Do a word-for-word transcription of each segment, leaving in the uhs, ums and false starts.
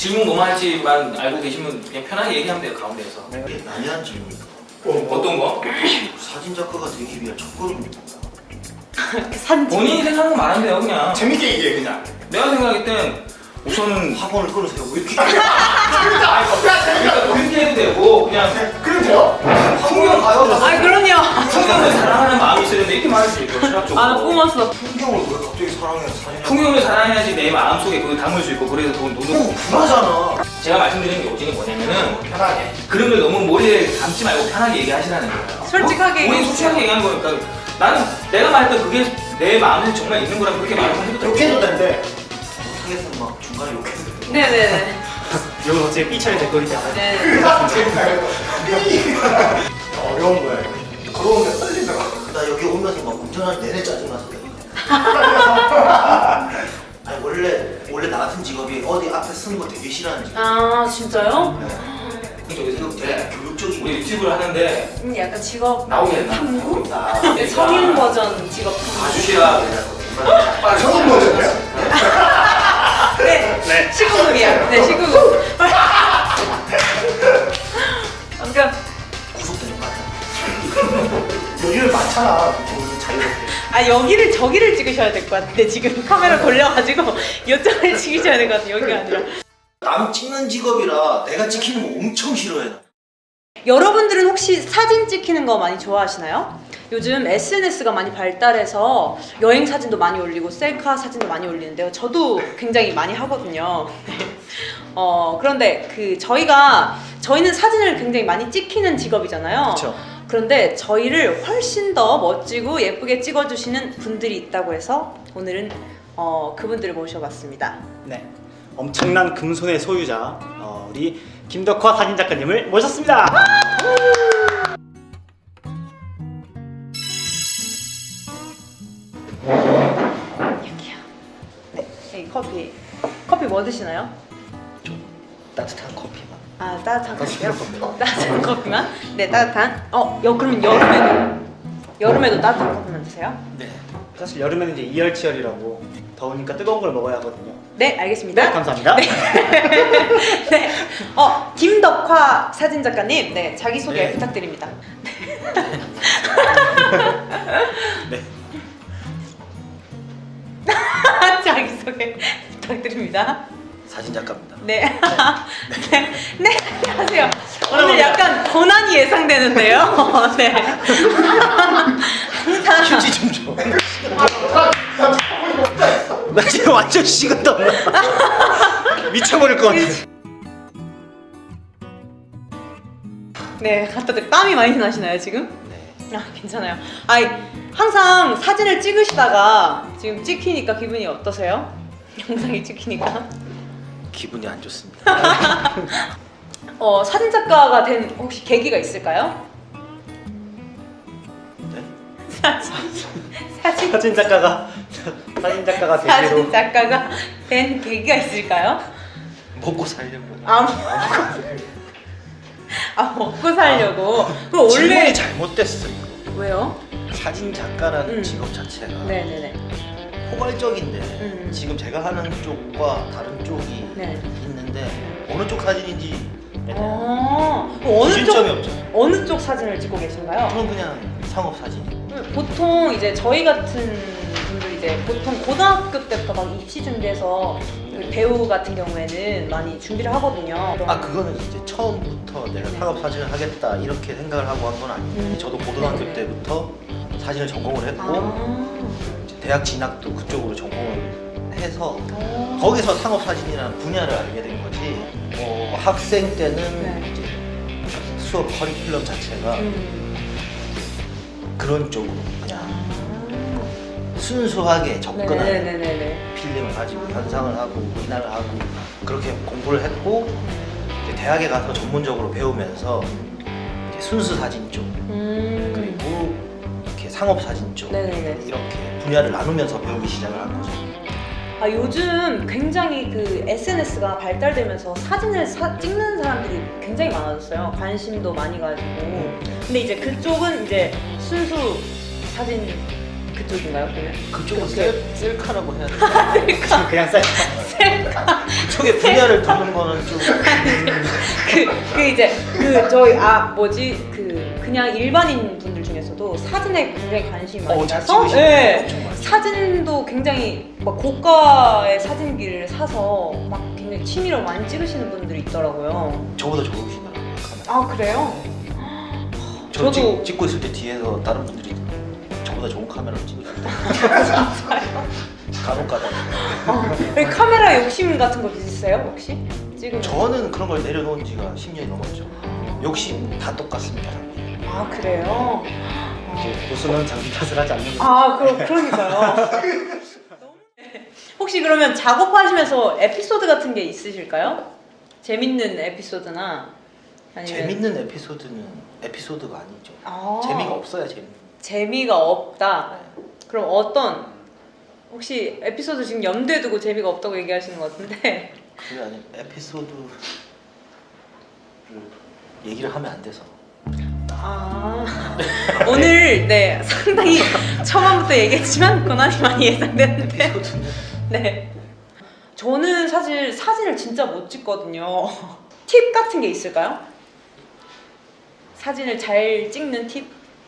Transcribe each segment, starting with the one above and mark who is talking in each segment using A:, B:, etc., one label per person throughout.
A: 질문 뭐만 할지만 알고 계시면 그냥 편하게 얘기하면 돼요, 가운데에서.
B: 이게 난해한 질문이다.
A: 어떤 거?
B: 사진 작가가 되기 위한 첫걸음입니다.
C: 사진 찍
A: 본인이 생각하는 거 말하면 돼요, 그냥.
D: 재밌게 얘기해 그냥.
A: 내가 생각할 땐 우선은
B: 학원을 끊으세요. 왜 이렇게?
D: 재밌다.
A: 그러니까 그렇게 해도 되고 그냥
D: 그럼 돼요?
A: 풍경 가요.
C: 아 그럼요.
A: 풍경을 사랑하는 마음이 있어야 되는데 이렇게 말할 수 있고 철학적으로.
C: 아 뿜었어.
B: 풍경을 왜 갑자기 사랑해? 사진
A: 풍경을 사랑해야지 내 마음속에 그걸 담을 수 있고 그래서 돈 돈을
B: 어, 불하잖아.
A: 제가 말씀드리는 게 오직은 뭐냐면은
D: 편하게.
A: 그런 걸 너무 머리에 담지 말고 편하게 얘기하시라는 거예요.
C: 솔직하게
A: 어? 우리
C: 얘기해주세요.
A: 솔직하게 얘기하는 거니까 나는 내가 말했던 그게 내 마음에 정말 있는 거라고 그렇게 말하면 해도 되고
D: 욕해도 된대.
B: 못하겠으면 막 중간에 욕해도 돼.
C: 네네네.
E: 이건 어차피 삐처리 될 거니까.
C: 네.
D: 재밌다. 어려운 거야. 이거. 그러면 떨리더라.
B: 나 여기 오면서 막 운전할 내내 짜증나서. 아니 원래 원래 나 같은 직업이 어디 앞에 서는 거 되게 싫어하는 직업.
C: 아 진짜요?
A: 저기서
B: 되게 교육적인
A: 우리 유튜브를 하는데
C: 음, 약간 직업
A: 나오게 했나?
C: 탐구?
B: 나
C: 네, 성인 버전 직업 탐구.
A: 봐주시라.
D: 성인 버전이야?
C: 네.
E: 네.
C: 십구금이야. 네, 십구금. 그러니까
B: 구속되는 거 아니야?
D: 요즘 많잖아. 좀 자유롭게.
C: 아 여기를 저기를 찍으셔야 될 것 같은데 지금 카메라 돌려가지고 이쪽을 찍으셔야 될 것 같아요. 여기가 아니라.
B: 남 찍는 직업이라 내가 찍히는 거 엄청 싫어해. 나.
C: 여러분들은 혹시 사진 찍히는 거 많이 좋아하시나요? 요즘 에스엔에스가 많이 발달해서 여행 사진도 많이 올리고 셀카 사진도 많이 올리는데요. 저도 굉장히 많이 하거든요. 어, 그런데 그 저희가 저희는 사진을 굉장히 많이 찍히는 직업이잖아요.
E: 그렇죠.
C: 그런데 저희를 훨씬 더 멋지고 예쁘게 찍어주시는 분들이 있다고 해서 오늘은 어, 그분들을 모셔봤습니다.
E: 네. 엄청난 금손의 소유자 어, 우리 김덕화 사진 작가님을 모셨습니다.
C: 여기요. 네, 여기 커피. 커피 뭐 드시나요?
B: 따뜻한 커피만.
C: 아 따뜻한 커피요? 따뜻한 커피만? 네 따뜻한. 어, 여 그럼 여름에도 여름에도 따뜻한 커피만 드세요?
B: 네.
E: 사실 여름에는 이제 이열치열이라고 더우니까 뜨거운 걸 먹어야 하거든요.
C: 네 알겠습니다.
E: 네, 감사합니다.
C: 네. 어 김덕화 사진 작가님, 네 자기 소개
B: 네.
C: 부탁드립니다.
E: 네.
C: 자기 소개 부탁드립니다.
B: 사진 작가입니다.
C: 네. 네. 네. 안녕하세요. 오늘 약간 고난이 예상되는데요. 네. 항상
B: 휴지 좀 줘. 나 지금 완전 식은다.
E: 미쳐버릴 것 같아.
C: 네, 갖다 대 땀이 많이 나시나요 지금?
B: 네.
C: 아 괜찮아요. 아이 항상 사진을 찍으시다가 지금 찍히니까 기분이 어떠세요? 영상이 찍히니까.
B: 기분이 안 좋습니다.
C: 어 사진 작가가 된 혹시 계기가 있을까요?
B: 네?
C: 사진 사진
E: 사진 작가가 사진 작가가
C: 사진
E: 되기로
C: 작가가 된 계기가 있을까요?
B: 먹고 살려고.
C: 아, 아 먹고 살려고. 그 원래
B: 질문이 잘못됐어 이거.
C: 왜요?
B: 사진 작가라는
C: 음.
B: 직업 자체가
C: 네네네.
B: 포괄적인데
C: 음.
B: 지금 제가 하는 쪽과 다른 쪽이
C: 네.
B: 있는데 어느 쪽 사진인지에 대한
C: 어 그럼 어느
B: 기준점이
C: 쪽
B: 없잖아요.
C: 어느 쪽 사진을 찍고 계신가요?
B: 저는 그냥 상업 사진.
C: 보통 이제 저희 같은 분들 이제 보통 고등학교 때부터 막 입시 준비해서 그 배우 같은 경우에는 많이 준비를 하거든요.
B: 아 그거는 이제 처음부터 내가
C: 네.
B: 상업 사진을 하겠다 이렇게 생각을 하고 한 건 아니고
C: 음.
B: 저도 고등학교
C: 네네.
B: 때부터 사진을 전공을 했고
C: 아.
B: 이제 대학 진학도 그쪽으로 전공을 해서
C: 어.
B: 거기서 상업 사진이라는 분야를 알게 된 거지. 어, 학생 때는
C: 네.
B: 이제 수업 커리큘럼 자체가
C: 음.
B: 그런 쪽으로 그냥
C: 아.
B: 순수하게 접근하는
C: 네네네네.
B: 필름을 가지고 현상을 하고 인화를 하고 그렇게 공부를 했고 이제 대학에 가서 전문적으로 배우면서 이제 순수 사진 쪽
C: 음.
B: 그리고 이렇게 상업 사진 쪽
C: 네네네.
B: 이렇게 분야를 나누면서 배우기 시작을 한 거죠.
C: 아 요즘 굉장히 그 에스엔에스가 발달되면서 사진을 사, 찍는 사람들이 굉장히 많아졌어요. 관심도 많이 가지고. 근데 이제 그쪽은 이제 순수 사진 그쪽인가요 그러면?
B: 그쪽은
C: 그렇게.
B: 셀, 셀카라고 해야 되나?
C: 셀카.
E: 그냥 쌀.
C: 셀카.
B: 그쪽에 분야를 두는 거는 좀
C: 그, 그 이제 그 저희 아 뭐지 그 그냥 일반인 분들 중에서도 사진에 굉장히 관심이 많이
B: 어, 잘
C: 가서
B: 찍으시는
C: 네,
B: 분들 엄청 많죠.
C: 사진도 굉장히 막 고가의 사진기를 사서 막 굉장히 취미로 많이 찍으시는 분들이 있더라고요.
B: 저보다 좋으시더라고요. 카메라.
C: 아 그래요?
B: 저
C: 저도-
B: 찍, 찍고 있을 때 뒤에서 다른 분들이 저보다 좋은 카메라로 찍으셨다. 간혹 가다.
C: 어, 여기 카메라 욕심 같은 거 있으세요 혹시? 지금
B: 저는 그런 걸 내려놓은 지가 십 년이 넘었죠. 욕심 다 똑같습니다.
C: 아 그래요?
E: 이제 고수는 자기 탓을 하지 않는 거.
C: 아 그러, 그러니까요. 혹시 그러면 작업하시면서 에피소드 같은 게 있으실까요? 재밌는 에피소드나 아니면
B: 재밌는 에피소드는 에피소드가 아니죠.
C: 아,
B: 재미가 없어야 재밌는.
C: 재미가 없다.
B: 네.
C: 그럼 어떤 혹시 에피소드 지금 염두에 두고 재미가 없다고 얘기하시는 것 같은데
B: 그게 아니 에피소드를 얘기를 하면 안 돼서.
C: 아 오늘 네 상당히 처음부터 얘기했지만 고난이 많이 예상되는데
B: 에피소드는
C: 네 저는 사실 사진을 진짜 못 찍거든요. 팁 같은 게 있을까요? 사진을 잘 찍는 팁?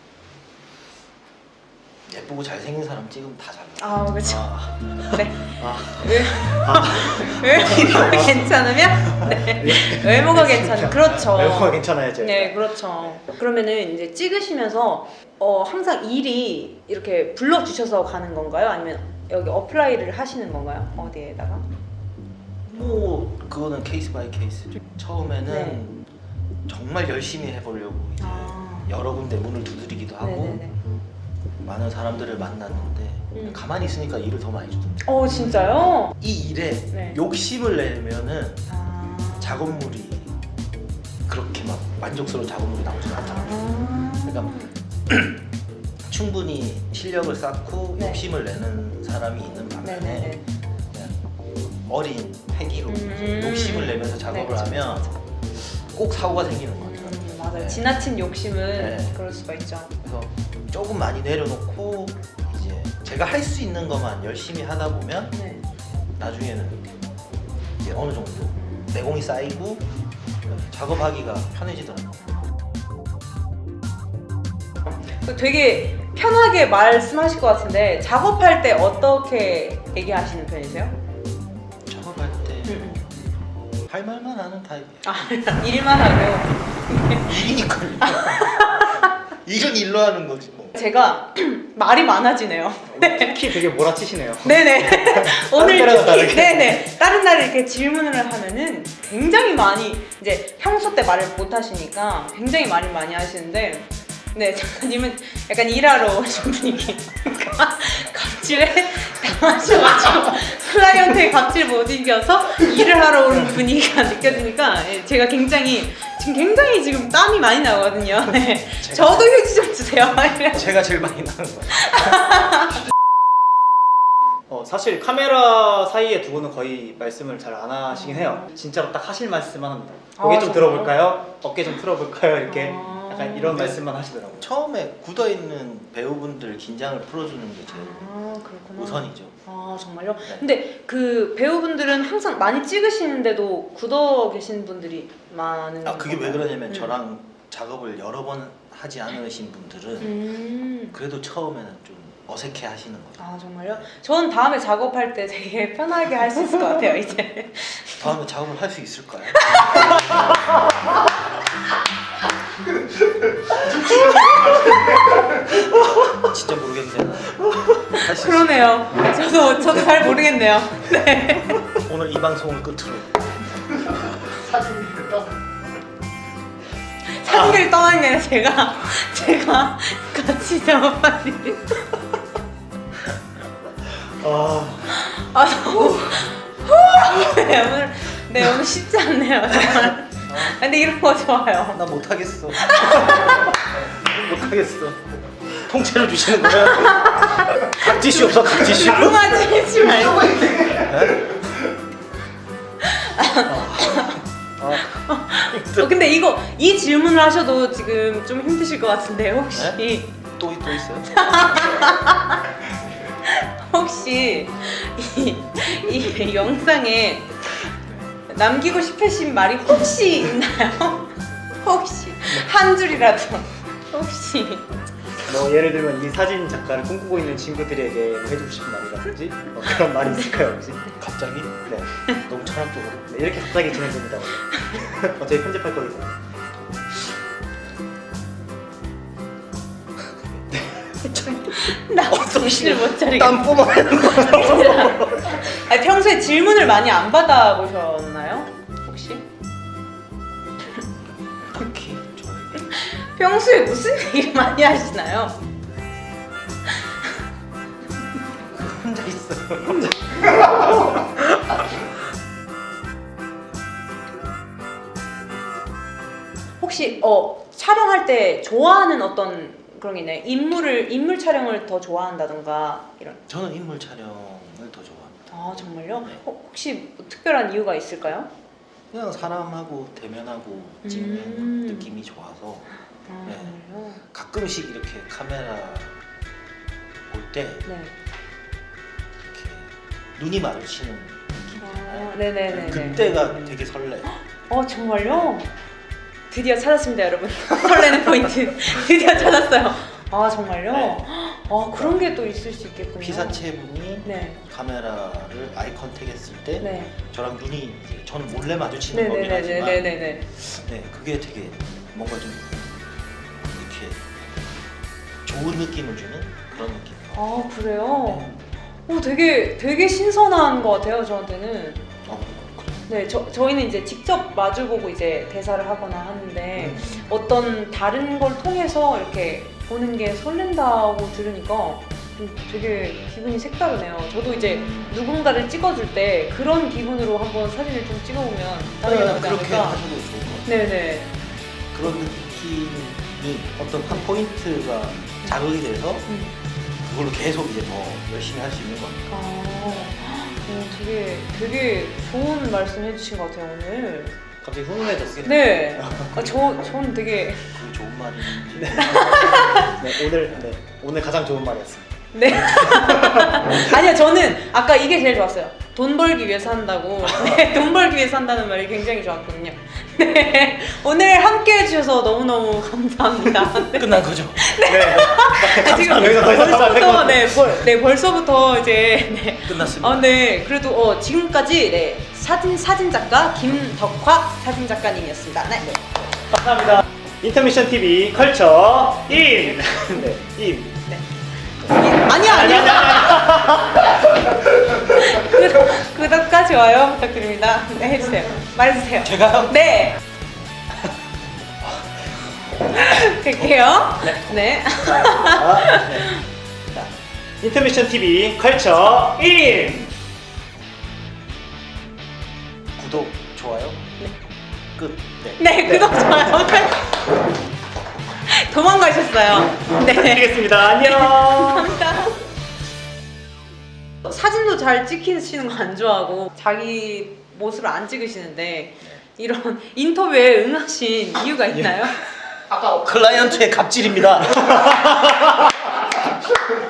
B: 예쁘고 잘생긴 사람 찍으면 다 잘 나와.
C: 아 그렇죠.
B: 아,
C: 네.
E: 아,
C: 외- 외모가 괜찮으면 네. 외모가 괜찮은 그렇죠.
E: 외모가 괜찮아야죠.
C: 네 그렇죠. 그러면은 이제 찍으시면서 어, 항상 일이 이렇게 불러주셔서 가는 건가요? 아니면 여기 어플라이를 하시는 건가요? 어디에다가?
B: 뭐 그거는 케이스 바이 케이스죠. 처음에는
C: 네.
B: 정말 열심히 해보려고 이제
C: 아.
B: 여러 군데 문을 두드리기도 하고
C: 네네네.
B: 많은 사람들을 만났는데
C: 음.
B: 가만히 있으니까 일을 더 많이 주던데.
C: 어 진짜요?
B: 이 일에
C: 네.
B: 욕심을 내면은
C: 아.
B: 작업물이 그렇게 막 만족스러운 작업물이 나오지 않더라고요.
C: 아.
B: 그러니까 충분히 실력을 쌓고
C: 네.
B: 욕심을 내는 사람이 있는 반면에
C: 네네네.
B: 그냥 어린 패기로
C: 음.
B: 욕심을 내면서 작업을
C: 네, 그쵸,
B: 하면
C: 그쵸,
B: 꼭 사고가 생기는 것 같아요.
C: 음, 맞아요.
B: 네.
C: 지나친 욕심은
B: 네.
C: 그럴 수가 있죠.
B: 그래서 조금 많이 내려놓고 이제 제가 할 수 있는 것만 열심히 하다 보면
C: 네.
B: 나중에는 이제 어느 정도 내공이 쌓이고 작업하기가 편해지더라고요.
C: 되게 편하게 말씀하실 것 같은데 작업할 때 어떻게 얘기하시는 편이세요?
B: 작업할 때 할
C: 음.
B: 말만 하는 타입이에요.
C: 아 일만 하고
B: 일이니까요. 일은 일로 하는 거지 뭐.
C: 제가 말이 많아지네요.
E: 특히 되게 몰아치시네요.
C: 네네. 오늘
E: 때랑은
C: 특히
E: 다르게.
C: 네네 다른 날 이렇게 질문을 하면은 굉장히 많이 이제 평소 때 말을 못 하시니까 굉장히 말을 많이 하시는데 네 작가님은 약간 일하러 오신 분위기 그러니까 갑질에 당하셔가지고 클라이언트의 갑질 못 이겨서 일을 하러 오는 분위기가 느껴지니까 예, 제가 굉장히 지금 굉장히 지금 땀이 많이 나거든요. 네. 저도 휴지 좀 주세요.
B: 제가 제일 많이 나는 거예요.
E: 어, 사실 카메라 사이에 두고는 거의 말씀을 잘 안 하시긴 해요. 진짜로 딱 하실 말씀만 합니다. 고개
C: 아,
E: 좀
C: 정말요?
E: 들어볼까요? 어깨 좀 풀어볼까요? 이렇게
C: 아.
E: 약간 이런
B: 네.
E: 말씀만 하시더라고요.
B: 처음에 굳어있는 배우분들 긴장을 풀어주는 게 제일
C: 아 그렇구나.
B: 우선이죠.
C: 아 정말요?
B: 네.
C: 근데 그 배우분들은 항상 많이 찍으시는데도 굳어 계신 분들이 많은
B: 아 그게 왜
C: 건가요?
B: 그러냐면
C: 음.
B: 저랑 작업을 여러 번 하지 않으신 분들은
C: 음.
B: 그래도 처음에는 좀 어색해 하시는 거죠.
C: 아 정말요? 전 다음에 작업할 때 되게 편하게 할 수 있을 것 같아요 이제.
B: 다음에 작업을 할 수 있을까요? 진짜 모르겠네. 할 수 있을
C: 그러네요. 저도 저도 잘 모르겠네요. 네.
B: 오늘 이 방송을 끝으로
D: 사진이 떠.
C: 사진을 떠난 게 아니라 제가 제가 같이 작업하니.
E: 아,
C: 아 너무 네, 오늘 네 오늘 쉽지 않네요 정말. 근데 이런 거 좋아요.
B: 나 못하겠어. 못하겠어. 통째로 주시는 거야?
E: 각지슈 없어, 각지슈.
C: rum하지 말고. 어, 근데 이거 이 질문을 하셔도 지금 좀 힘드실 것 같은데 혹시
B: 또, 또 있어요?
C: 혹시 이, 이 영상에 남기고 싶으신 말이 혹시 있나요? 혹시 한 줄이라도 혹시
E: 뭐 예를 들면 이 사진 작가를 꿈꾸고 있는 친구들에게 뭐 해주고 싶은 말이라든지 뭐 그런 말이 있을까요 혹시?
B: 갑자기?
E: 네.
B: 너무 철학적으로.
E: 네, 이렇게 갑자기 진행됩니다. 어차피 편집할 거기 때문에.
C: 나 정신을 못 차리겠어.
B: 땀 뿜어야
C: 아니, 평소에 질문을 많이 안 받아보셨나요? 혹시?
B: 딱히 저에게.
C: 평소에 무슨 얘기를 많이 하시나요?
B: 혼자 있어요.
C: 혹시 어 촬영할 때 좋아하는 어떤 그런 게 있나요? 인물을 인물 촬영을 더 좋아한다던가 이런.
B: 저는 인물 촬영을 더 좋아합니다.
C: 아 정말요?
B: 네.
C: 어, 혹시 뭐 특별한 이유가 있을까요?
B: 그냥 사람하고 대면하고 찍는
C: 음.
B: 느낌이 좋아서
C: 아
B: 네.
C: 정말요?
B: 가끔씩 이렇게 카메라 볼 때
C: 네.
B: 이렇게 눈이 마주치는 느낌.
C: 아, 네네네.
B: 그때가 되게 설레.
C: 어 정말요? 드디어 찾았습니다 여러분. 설레는 포인트 드디어 찾았어요. 아 정말요?
B: 네.
C: 아 그런 게 또 있을 수 있겠군요.
B: 피사체 분이
C: 네.
B: 카메라를 아이 컨택 했을 때
C: 네.
B: 저랑 눈이 이제 저는 몰래 마주치는 거긴 하지만
C: 네네네네네네.
B: 네 그게 되게 뭔가 좀 이렇게 좋은 느낌을 주는 그런 느낌.
C: 아 그래요? 오 되게 되게 신선한 것 같아요 저한테는.
B: 어, 그래.
C: 네, 저 저희는 이제 직접 마주보고 이제 대사를 하거나 하는데
B: 음.
C: 어떤 다른 걸 통해서 이렇게 보는 게 설렌다고 들으니까 좀 되게 기분이 색다르네요. 저도 이제 누군가를 찍어줄 때 그런 기분으로 한번 사진을 좀 찍어보면 다르게
B: 네,
C: 나오지
B: 그렇게
C: 않을까.
B: 하셔도 좋을 것 같아요.
C: 네네.
B: 그런 느낌이 어떤 한 포인트가 자극이 돼서
C: 음.
B: 그걸로 계속 이제 더 열심히 할 수 있는 것 같아요.
C: 아, 오, 되게 되게 좋은 말씀 해주신 것 같아요 오늘.
E: 갑자기 훈훈해졌어요.
C: 네. 아, 저 저는 되게
B: 그게 좋은 말인지.
E: 네, 오늘 네, 오늘 가장 좋은 말이었습니다.
C: 네. 아니요, 저는 아까 이게 제일 좋았어요. 돈 벌기 위해서 한다고. 네, 돈 벌기 위해서 한다는 말이 굉장히 좋았거든요. 네. 오늘 함께 해주셔서 너무너무 감사합니다. 네.
B: 끝난 거죠?
E: 네.
C: 아, 지금
E: 여기서 더 이상 말할 거
C: 벌써부터, 네, 벌, 네, 벌써부터 이제, 네.
B: 끝났습니다.
C: 아, 네. 그래도 어, 지금까지 네, 사진, 사진 작가 김덕화 사진 작가님이었습니다. 네.
E: 감사합니다. 인터미션 티비 컬처 인. 네, 인.
C: 네. 아니야, 아니야. 구독, 구독과 좋아요 부탁드립니다. 네, 해주세요. 말해주세요.
B: 제가요?
C: 네. 갈게요. 네.
E: 아, 네. 자, 인터미션 티비 컬처 인.
B: 구독, 좋아요.
C: 네.
B: 끝. 네.
C: 네, 구독, 좋아요. 도망가셨어요. 네.
E: 드리겠습니다. 안녕.
C: 감사합니다. 사진도 잘 찍히시는 거 안 좋아하고 자기 모습을 안 찍으시는데 이런 인터뷰에 응하신 이유가 있나요?
B: 클라이언트의 갑질입니다.